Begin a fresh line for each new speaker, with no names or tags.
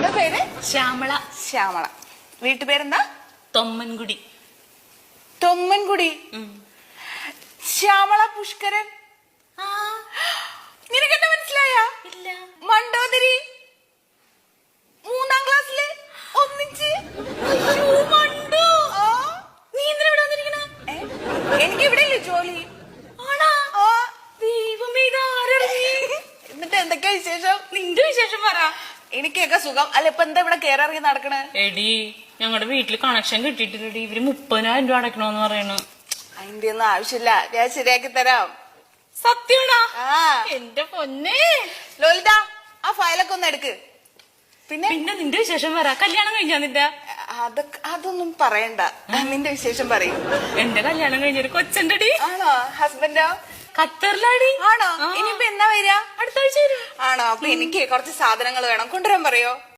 മോളുടെ പേര്
ശ്യാമള.
ശ്യാമള. വീട്ടുപേരെന്താ?
തൊമ്മൻകുടി.
തൊമ്മൻകുടി. ശ്യാമള പുഷ്കരൻ. നിനക്കെന്നെ മനസ്സിലായ?
ഇല്ല.
മണ്ടോദരി. 3ാം ക്ലാസ്സില് ഒന്നിച്ച്.
നീ എന്തിനാ ഇവിടെ വന്നിരിക്കണ?
എനിക്ക് ഇവിടെ ഇല്ലേ ജോലി?
ആണാ? ദൈവമേ, ഇതാരറിഞ്ഞ്?
എന്നിട്ട് എന്തൊക്കെയാ വിശേഷം?
നിന്റെ വിശേഷം പറ.
എനിക്കൊക്കെ സുഖം. അല്ല, ഇപ്പൊ എന്താ ഇവിടെ കേറിറങ്ങി നടക്കണേ?
എടി, ഞങ്ങളുടെ വീട്ടില് കണക്ഷൻ കിട്ടിയിട്ടില്ലടി. ഇവര് 30,000 രൂപ അടക്കണോന്ന് പറയണു.
അതിന്റെ ഒന്നും ആവശ്യമില്ല, ഞാൻ ശരിയാക്കി തരാം.
സത്യമാണോ? എന്റെ പൊന്നേ.
ലോലിത, ആ ഫയലൊക്കെ ഒന്ന് എടുക്ക്. പിന്നെ
നിന്റെ വിശേഷം പറ. കല്യാണം കഴിഞ്ഞാ നിന്റെ?
അതൊന്നും പറയണ്ട. നിന്റെ വിശേഷം പറയും.
എന്റെ കല്യാണം കഴിഞ്ഞൊരു കൊച്ചുണ്ടടി.
ആണോ? ഹസ്ബൻഡോ?
ഖത്തറിലാടി.
ആണോ? ഇനിയിപ്പോ എന്നാ വരിക?
അടുത്ത ആഴ്ച വരും.
ആണോ? അപ്പൊ എനിക്ക് കുറച്ച് സാധനങ്ങൾ വേണം, കൊണ്ടുവരാൻ പറയോ?